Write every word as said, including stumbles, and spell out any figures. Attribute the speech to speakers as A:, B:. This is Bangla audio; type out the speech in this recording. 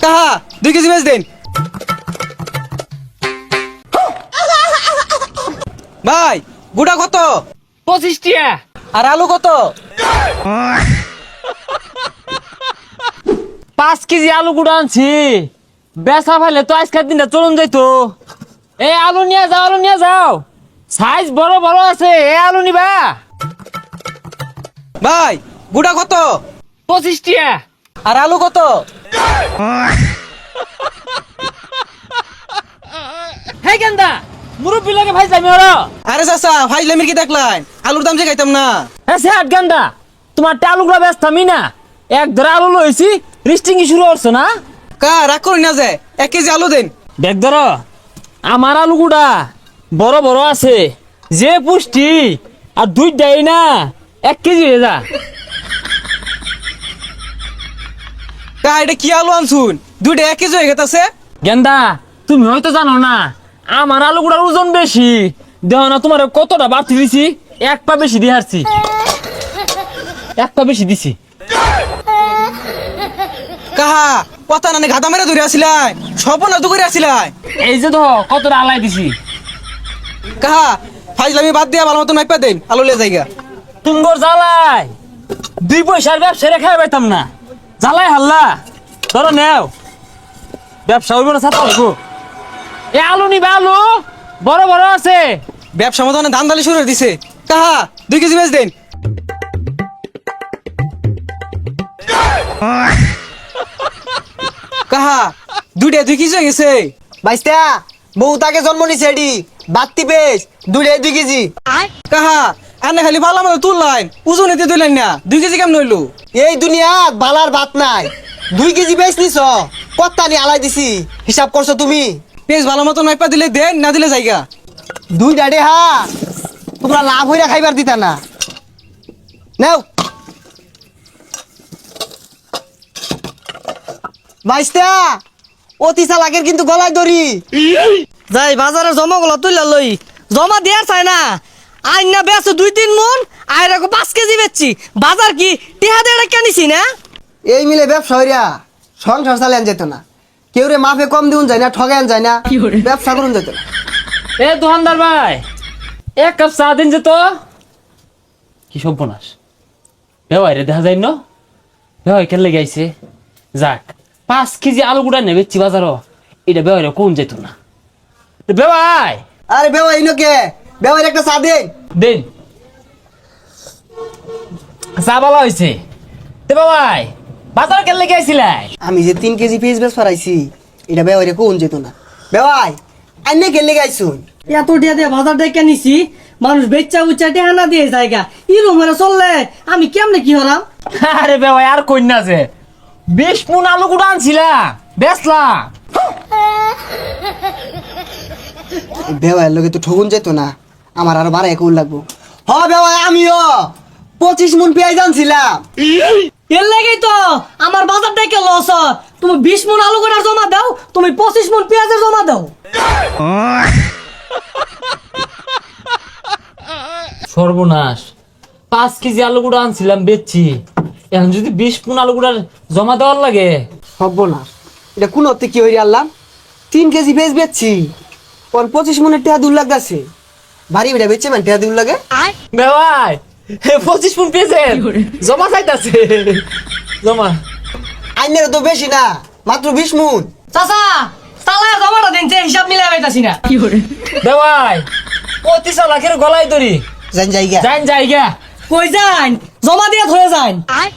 A: কাহা দুই কেজি বেচ দেন ভাই। গুড়া কত?
B: পঁচিশ টিয়া।
A: আর আলু কত?
B: পাঁচ কেজি আলু গুঁড়ো আনছি, বেচা ফেলে তো আজকের দিনটা চলুন যাইতো। এই আলু নিয়ে যাও, আলু নিয়ে যাও, সাইজ বড় বড় আছে। এ আলু নিবা?
A: ভাই গুড়া কত?
B: পঁচিশ টিয়া।
A: আর আলু কত?
B: হে গেন্দা, মুরব্বী লাগে ভাই যাবি ওরা।
A: আরে চাচা ফাইজলামির কি দেখলাই? আলুর দাম যে খাইতাম না।
B: হ্যাঁ সে হাট গেন্দা, তোমার আলুগুলো ব্যস্ত আমি না, এক ধরে আলু লইছি, রিস্টিং শুরু করছো না?
A: কা রাগ করি না যে এক কেজি আলু দেন।
B: দেখ ধর, আমার আলুগুড়া বড় বড় আছে, যে পুষ্টি, আর দুই দেয় না এক কেজি হয়ে যা।
A: কা এটা কি আলু আনছুন? দুইটা এক কেজি হয়ে গেছে।
B: গেন্দা তুমি হয়তো জানো না, আমার আলুগুড়ার ওজন বেশি, দেহ না তোমার কতটা বাড়তি দিছি, এক পা বেশি দিয়ে হারছি, এক পা বেশি দিছি।
A: কাহা কথা নানি গাদা মেরে ধরে আসিলাই, সব না তো করে আসিলাই।
B: এই যে তো কতটা আলাই দিছি।
A: কাহা ফাইজলামি বাদ দিয়া ভালো মতন মাইপা দেন, আলু লে জায়গা।
B: তুঙ্গর জ্বালাই দুই পয়সার ব্যবসা রেখে পাইতাম না, জ্বালাই হাল্লা। ধরো নেও, ব্যবসা হইব না ছাত্র হইব। এ আলু নিবে, আলু বড় বড় আছে।
A: ব্যবসা মতো ধান দালি শুরু করে দিছে। কাহা দুই কেজি বেচ দেন। কাহা দুইটা দুই কেজি হয়ে গেছে।
C: বাইস্তা বউ তাকে জন্ম নিছে এডি বাত্তি পেস দুইটাই দুই কেজি।
A: কাহা আনে খালি ভালো মতো তুললাইন, ওজন এতে তুললেন না, দুই কেজি কেমন হইলো?
C: এই দুনিয়াত বালার ভাত নাই, দুই কেজি বেচ নিছ, কত্তা নি আলাই দিছি, হিসাব করছো তুমি?
A: পেঁচ ভালো মতন মাইপা দিলে দেন, না দিলে জায়গা।
C: দুই ডাডে হা তোমরা লাভ হইরা খাইবার দিতা না। নাও বাইস্তা, অতি চালাকের কিন্তু গলায় দড়ি।
D: যাই বাজারে জমা গুলো তুইলা লই, জমা দেয়ার চাই না। আইন না বেছো দুই তিন মন, আইরা পাঁচ কেজি বেচছি। বাজার কি টিহা দিয়ে কেনিছি না?
C: এই মিলে ব্যবসা হইরা সংসার চালান যেত না, কেউ রে মাফে কম দিউন যায় না, ঠগান যায় না, ব্যবসা করুন যেত না।
B: এ দোকানদার ভাই, এক কাপ চা দিন যে তো। কি সর্বনাশ, বেওয়াই রে দেখা যায় ন, বেওয়াই কেলে গাইছে। যাক, পাঁচ কেজি আলু গুড়া নেবেছি বাজারও, এটা বেওয়াই রে কোন যেত না। বেওয়াই
C: আরে বেওয়া ইনোকে বেওয়ার একটা চা দেন।
B: দিন চা বলা হয়েছে। তে বেওয়াই বাজার কেলে গাইছিলাই?
C: আমি যে তিন কেজি পেঁয়াজ বেশ ফরাইছি, এটা বেওয়ারে কোন যেত না। বেওয়াই আইনে গেলে গাইছুন,
D: এত টিয়া দিয়ে বাজার দিয়ে কেনিছি, মানুষ বেচা উচ্চা টিহা না দিয়ে জায়গা ইরম হয়ে চললে আমি কেমনে কি হলাম?
B: আরে বেওয়াই আর কইনা যে বিশ মুন আলু গুড়া আনছিলাম, বেচলাম।
C: বেওয়ার লোকে তো ঠগুন যেত না, আমার আরো বারো একুল লাগবো। হ বেওয়াই আমিও পঁচিশ মন পেঁয়াজ আনছিলাম।
D: এর লেগেই তো আমার বাজার থেকে লস হয়। তুমি বিশ মন আলু করে জমা দাও, তুমি পঁচিশ মন পেঁয়াজের জমা দাও।
B: সর্বনাশ, পাঁচ কেজি আলু গুঁড়া আনছিলাম বেচছি, এখন যদি বিশ পুন আলু গুঁড়ার জমা দেওয়ার লাগে।
C: হব না, এটা কোন অর্থে কি হইরে আনলাম? তিন কেজি পেঁয়াজ বেচছি, ওর পঁচিশ মনের টেহা দূর লাগতেছে। ভারী বেটা বেচছে মানে টেহা দূর লাগে।
B: বেওয়াই পঁচিশ পুন পেয়েছে, জমা চাইতাছে, জমা।
C: আইনের তো বেশি না, মাত্র বিশ মন।
D: চাচা চালায় জমাটা দিন, যে হিসাব মিলাই পাইতাছি না।
B: বেওয়াই পঁচিশ লাখের গলায় দড়ি,
C: জান জায়গা
B: যাইন জায়গা।
D: কই যান, জমা দিয়ে ধরে যান।